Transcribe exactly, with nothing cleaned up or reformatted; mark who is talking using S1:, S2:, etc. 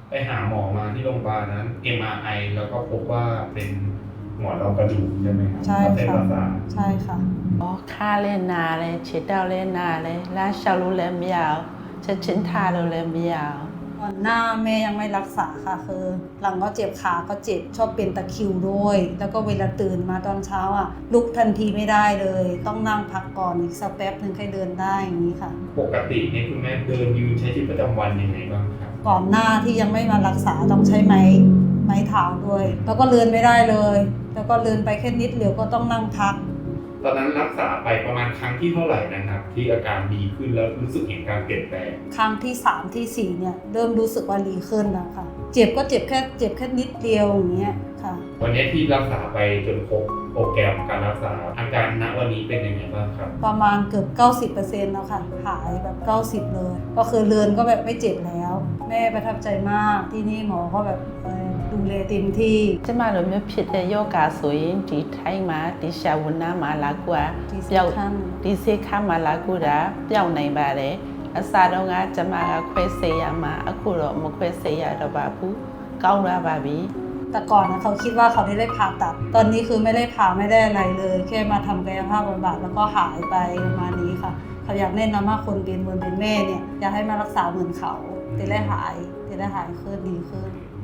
S1: ไปหาหมอมาที่โรงพยาบาลนั้น เอ็ม อาร์ ไอ แล้วก็พบว่าเป็นหมอนรองกระดูกใช่ไหมครับ
S2: ใช่
S1: เส้นป
S2: ค่ะ
S1: ระสาท
S2: ใช่ค่ะ
S3: อ๋อขาလည်းနာတယ်ခြေထောက်လည်းနာတယ်လမ်းလျှောက်လို့လည်းမရအောင်ချက်ချင်းထားလို့လည်းမရအောင်
S2: ก่อนหน้าแม่ยังไม่รักษาค่ะคือหลังก็เจ็บขาก็เจ็บชอบเป็นตะคริวด้วยแล้วก็เวลาตื่นมาตอนเช้าอ่ะลุกทันทีไม่ได้เลยต้องนั่งพักก่อนอีกสักแป๊บนึงค่อยเดินได้อย่างนี้ค่ะ
S1: ปกติเนี่ยคุณแม่เดินยืนใช้ชีวิตประจำวันยังไงบ้างครับ
S2: ก่อนหน้าที่ยังไม่มารักษาต้องใช้ไม้ไม้เท้าด้วยแล้วก็เดินไม่ได้เลยแล้วก็เดินไปแค่นิดเดียวก็ต้องนั่งพัก
S1: ตอนนั้นรักษาไปประมาณครั้งที่เท่าไหร่นะครับที่อาการดีขึ้นแล้วรู้สึกเห็นการเปลี่ยนแปลง
S2: ครั้งที่สามที่สี่เนี่ยเริ่มรู้สึกว่าดีขึ้นแล้วค่ะเจ็บก็เจ็บแค่เจ็บแค่นิดเดียวอย่างเงี้ยค่ะ
S1: วันนี้ที่รักษาไปจนครบโปรแกรมการรักษาอาการณวันนี้เป็นยังไงบ้างครับ
S2: ประมาณเกือบ เก้าสิบเปอร์เซ็นต์ แล้วค่ะหายแบบ เก้าสิบ เลยก็คือเลือนก็แบบไม่เจ็บแล้วแม่ประทับใจมากที่นี่หมอก็แบบดูแลเต็มที่
S3: ကျမတို့မျိုးဖြစ်တဲ့ယောဂဆိုရင်ဒီထိုင်းမှာဒီရှာဝနာမှာလာကူတာပျောက်ဒီစိတ်ခါမှာလာကူတာပျောက်နိုင်ပါတယ်အစားတော့ကကျမကခွဲစိတ်ရမှာအခုတော့မခွဲစိတ်ရတော့ပါဘူးကောင်းလာပါပြီ
S2: แต่ก่อนนะเขาคิดว่าเขาได้ได้ผ่าตัดตอนนี้คือไม่ได้ผ่าไม่ได้อะไรเลยแค่มาทำกายภาพบำบัดแล้วก็หายไปประมาณนี้ค่ะเขาอยากแนะนำว่าคนเป็นเหมือนเป็นแม่เนี่ยอยากให้มารักษาเหมือนเขาจะได้หายจะได้หายขึ้นดีขึ้น